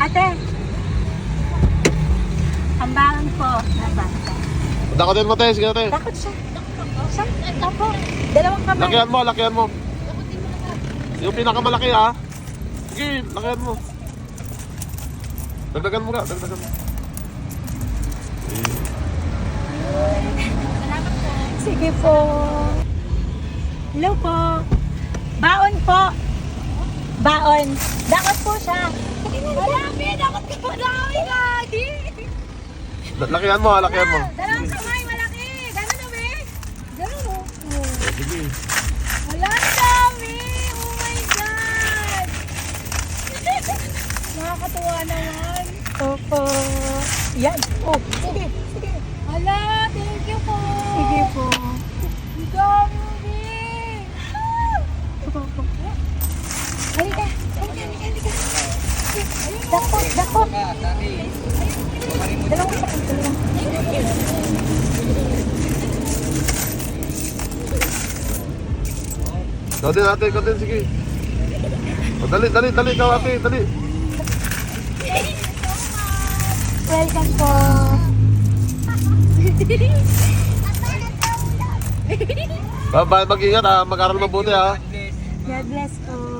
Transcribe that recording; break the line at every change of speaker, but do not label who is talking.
Ate, ambangan po. Nabasa.
Dakatin mo, te. Sige, te.
Takot siya. Siya, tapo. Dalawang kamay.
Lakihan mo, lakihan mo. Yung pinakamalaki, ha? Sige, lakihan mo. Dagdagan mo nga, dagdagan mo.
Sige po. Hello po. Baon po. Baon. Dakot po siya. Marami, dakot ka po. Dami lagi.
Lakihan mo, ha? Lakihan mo.
Dalawang kamay, malaki. Gano'n na, be? Gano'n, oh.
Sige.
Wala, ang dami. Oh my God. Nakakatuwa naman. Opo. Yan. Oh, sige, sige. Hala, thank you po. Sige po. Ang dami, be. Halika, halika, halika. Dako, dako. Dalawang sakit, dalawang.
Ikaw din, ate. Ikaw din, sige. O, dali, dali, dali. Ikaw, ate. Dali.
Welcome po.
Bye, mag-ingat, ha? Mag-aral mabuti, ha?
God bless po.